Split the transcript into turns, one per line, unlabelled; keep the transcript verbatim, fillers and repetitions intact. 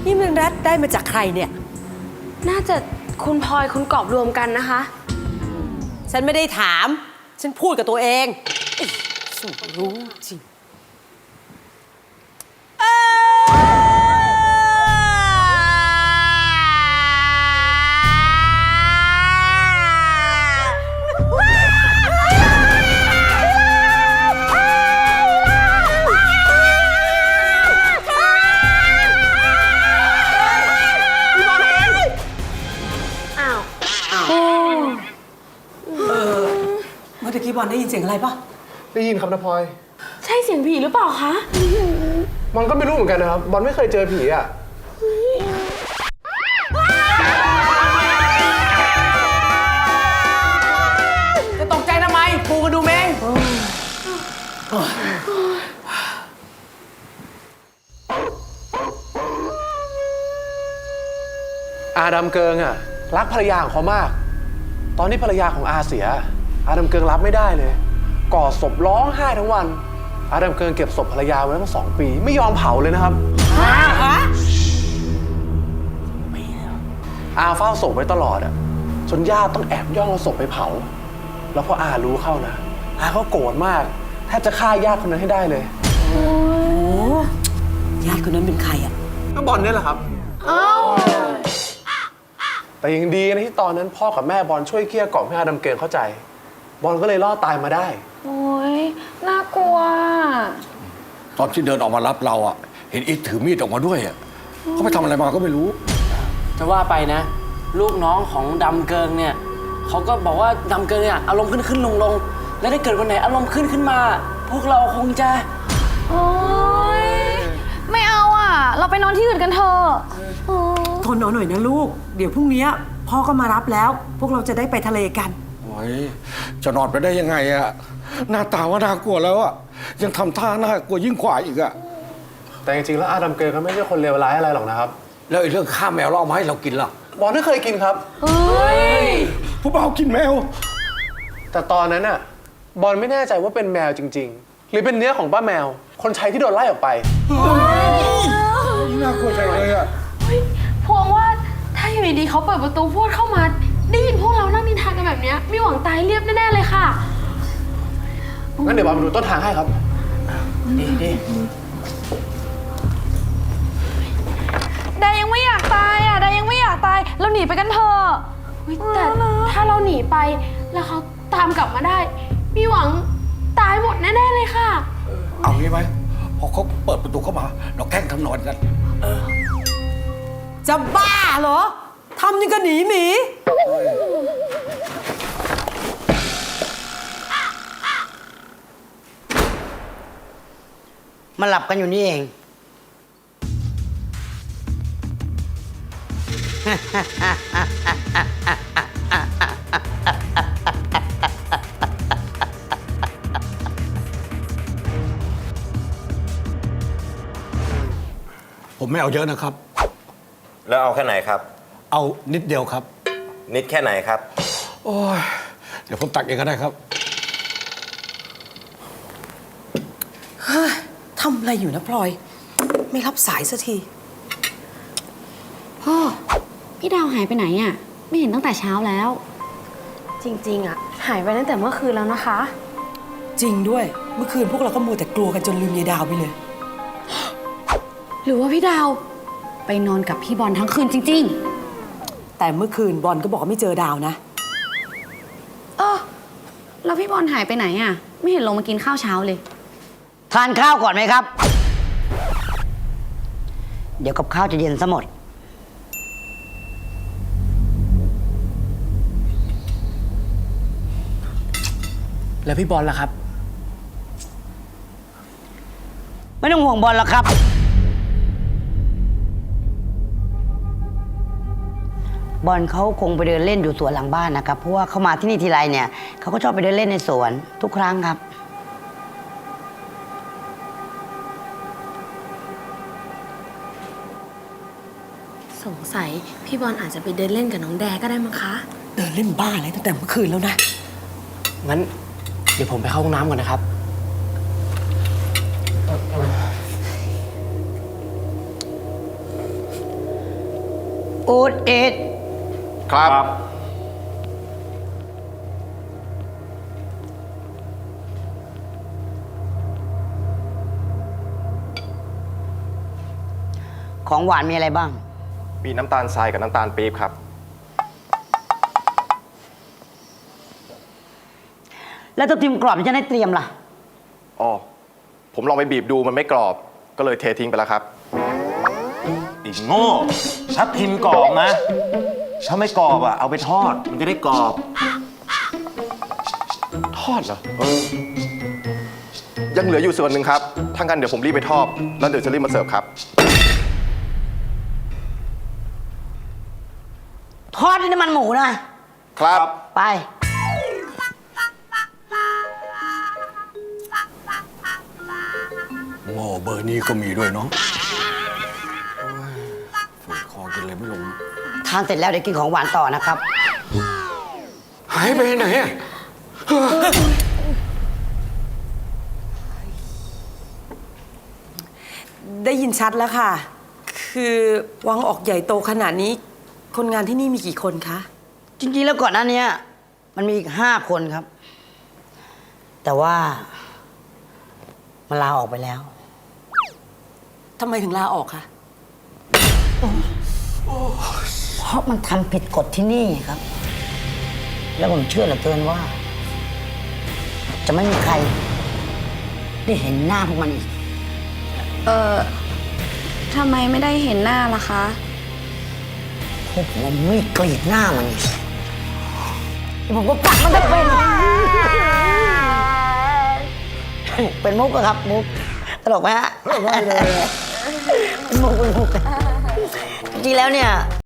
นี่มันรัดได้มาจากใครเนี่ย
น่าจะคุณพลอยคุณกอบรวมกันนะคะ
ฉันไม่ได้ถามฉันพูดกับตัวเองฉันรู้จริงเมื่อกี้บอลได้ยินเสียงอะไรปะ
ได้ยินครับนะพลอย
ใช่เสียงผีหรือเปล่าคะ
บอลก็ไม่รู้เหมือนกันนะครับบอลไม่เคยเจอผีอ่ะ
จะตกใจทำไมปูกระดูเมง
อาดัมเกิงอ่ะรักภรรยาของเขามากตอนที่ภรรยาของอาเสียอาดัมเกิงรับไม่ได้เลยกอดศพร้องไห้ทั้งวันอาดัมเกิงเก็บศพภรรยาไว้ตั้งสองปีไม่ยอมเผาเลยนะครับอาเฝ้าศพไว้ตลอดอ่ะจนญาติต้องแอบย่องเอาศพไปเผาแล้วพออารู้เข้านะอาเขาโกรธมากแทบจะฆ่าญาติคนนั้นให้ได้เลย
โอ้ญาติคนนั้นเป็นใครอ่ะ
ก็บอลนี่แหละครับอ้าวแต่ยังดีนะที่ตอนนั้นพ่อกับแม่บอลช่วยเกลี้ยกล่อมให้อาดัมเกิงเข้าใจบอลก็เลยรอดตายมาได้
โอ้ยน่ากลัว
ตอนที่เดินออกมารับเราอ่ะเห็นอิทถือมีดออกมาด้วยอ่ะเขาไปทำอะไรมาก็ไม่รู้
จะว่าไปนะลูกน้องของดำเกิงเนี่ยเขาก็บอกว่าดำเกิงเนี่ยอารมณ์ขึ้นขึ้นลงลงแล้วถ้าเกิดวันไหนอารมณ์ขึ้นขึ้นมาพวกเราคงจะ
โอ๊ยไม่เอาอ่ะเราไปนอนที่อื่นกันเถอะ
ทนเอาหน่อยนะลูกเดี๋ยวพรุ่งนี้พ่อก็มารับแล้วพวกเราจะได้ไปทะเลกัน
โอ้ยจะนอนไปได้ยังไงอะหน้าตาว่าน่ากลัวแล้วอะยังทำท่าน่ากลัวยิ่งกว่าอีกอะ
แต่จริงๆแล้วอาดัมเกิงก็ไม่ใช่คนเลวร้ายอะไรหรอกนะครับ
แล้วไอ้เรื่องฆ่าแมวเราเอามาให้เรากินล่ะ
บอลไม่เคยกินครับ
เฮ้ย
ผู้บ่าวกินแมว
แต่ตอนนั้นอะบอลไม่แน่ใจว่าเป็นแมวจริงๆหรือเป็นเนื้อของป้าแมวคนใช้ที่โดนไล่ออกไป
น่ากลัวใจเลยอะ
พวงว่าถ้าอยู่ดีๆเขาเปิดประตูพูดเข้ามาได้ยินพวกเรานั่งนินทากันแบบนี้มีหวังตายเรียบแน่ๆเลยค่ะ
งั้นเดี๋ยวบอลมาดูต้นทางให้ครับ
ดีดี
ดายังไม่อยากตายอ่ะดายังไม่อยากตายเราหนีไปกันเถอะแต่ถ้าเราหนีไปแล้วเขาตามกลับมาได้มีหวังตายหมดแน่ๆเลยค่ะ
เอางี้ไหมพอเขาเปิดประตูเข้ามาเราแกล้งทำนอนกัน
จะบ้าเหรอทำยังกับหนีหมี
มาหลับกันอยู่นี่เอง
ผมไม่เอาเยอะนะครับ
แล้วเอาแค่ไหนครับ
เอานิดเดียวครับ
นิดแค่ไหนครับ
โอ้ยเดี๋ยวผมตักเองก็ได้ครับ
เฮ้ยทำอะไรอยู่นะพลอยไม่รับสายสักที
พ่อพี่ดาวหายไปไหนอ่ะไม่เห็นตั้งแต่เช้าแล้วจริงๆอ่ะหายไปตั้งแต่เมื่อคืนแล้วนะคะ
จริงด้วยเมื่อคืนพวกเราก็มัวแต่กลัวกันจนลืมยายดาวไปเลย
หรือว่าพี่ดาวไปนอนกับพี่บอลทั้งคืนจริง
ๆแต่เมื่อคืนบอลก็บอกว่าไม่เจอดาวนะ
เออแล้วพี่บอลหายไปไหนอ่ะไม่เห็นลงมากินข้าวเช้าเลย
ทานข้าวก่อนไหมครับ เดี๋ยวกับข้าวจะเย็นซะหมด
แล้วพี่บอลล่ะครับ
ไม่ต้องห่วงบอลหรอกครับบอลเขาคงไปเดินเล่นอยู่สวนหลังบ้านนะครับเพราะว่าเขามาที่นี่ทีไรเนี่ยเขาก็ชอบไปเดินเล่นในสวนทุกครั้งครับ
สงสัยพี่บอลอาจจะไปเดินเล่นกับน้องแดก็ได้มั้งคะ
เดินเล่นบ้าอะไรตั้งแต่เมื่อคืนแล้วนะ
งั้นเดี๋ยวผมไปเข้าห้องน้ำก่อนนะครับ
อูดเอ็ด
ครับ
ของหวานมีอะไรบ้าง
มีน้ำตาลทรายกับน้ำตาลปี๊บครับ
แล้วตัวทิมกรอบที่จะได้เตรียมล่ะ
อ๋อ ผมลองไปบีบดูมันไม่กรอบ ก็เลยเททิ้งไปแล้วครับ
อีกโง่ชับทิมกรอบนะ ถ้าไม่กรอบอ่ะ เอาไปทอด มันจะได้กรอบ
ทอดเหรอเออยังเหลืออยู่ส่วนหนึ่งครับ ถ้างั้นเดี๋ยวผมรีบไปทอด แล้วเดี๋ยวจะรีบมาเสิร์ฟครับ
ทอดด้วยน้ำมันหมูนะ
ครับ
ไป
หม้อเบอร์นี้ก็มีด้วยเนาะโอ้ยฝืนคอกินเลยไม่ลง
ทานเสร็จแล้วเดี๋ยวกินของหวานต่อนะครับ
หายไปไหนอะ
ได้ยินชัดแล้วค่ะ คือวังออกใหญ่โตขนาดนี้ คนงานที่นี่มีกี่คนคะ
จริงๆแล้วก่อนหน้านี้มันมีอีกห้าคนครับ แต่ว่ามันลาออกไปแล้ว
ทำไมถึงลาออกคะ
เพราะมันทำผิดกฎที่นี่ครับ แล้วผมเชื่อเหลือเกินว่า จะไม่มีใคร ได้เห็นหน้าพวกมันอีก
เออทำไมไม่ได้เห็นหน้าล่ะคะ
พวกผมไม่กรีดหน้ามันอีกเดี๋ยวผมก็ปักมันจะเป็น เป็นมุกอะครับ มุก ตลกไหมฮะไม่เลยเป็นมุกเป็นมุกจริงๆแล้วเนี่ย